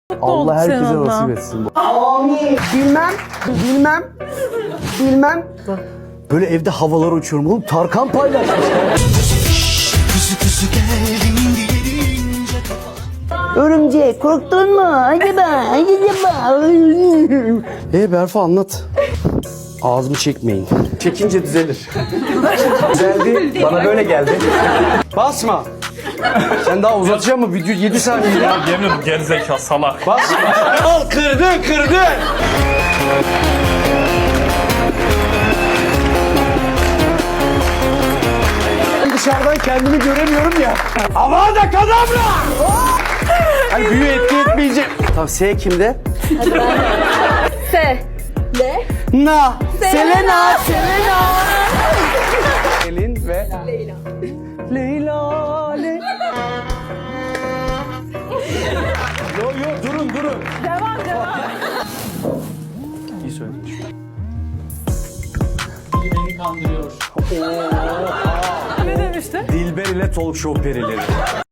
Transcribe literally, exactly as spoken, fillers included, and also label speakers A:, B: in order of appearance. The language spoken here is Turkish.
A: Allah herkese nasip etsin. Amin. Bilmem, bilmem, bilmem. Böyle evde havalara uçuyorum oğlum. Tarkan paylaşmış. Örümcek korktun mu? Acaba, acaba. Ee Berfa anlat. Ağzımı çekmeyin. Çekince düzelir. Düzeldi. Bana böyle geldi. Basma. Sen daha uzatacak mı? Video yedi saniye ya.
B: Ya yemin ederim gerizekalı salak.
A: Basma. Al kırdın kırdın. Dışarıdan kendimi göremiyorum ya. Avada kadavra. Hani büyü etki etmeyecek. Tamam S kimde?
C: Se. Le.
A: Na.
C: Selena. Selena.
A: Selin ve
C: Leyla.
A: Leyla. Le... yo yo durun durun.
C: Devam devam.
A: İyi söylemiş.
B: Beni kandırıyor.
C: Ne demişti?
A: Dilber ile talk show perileri.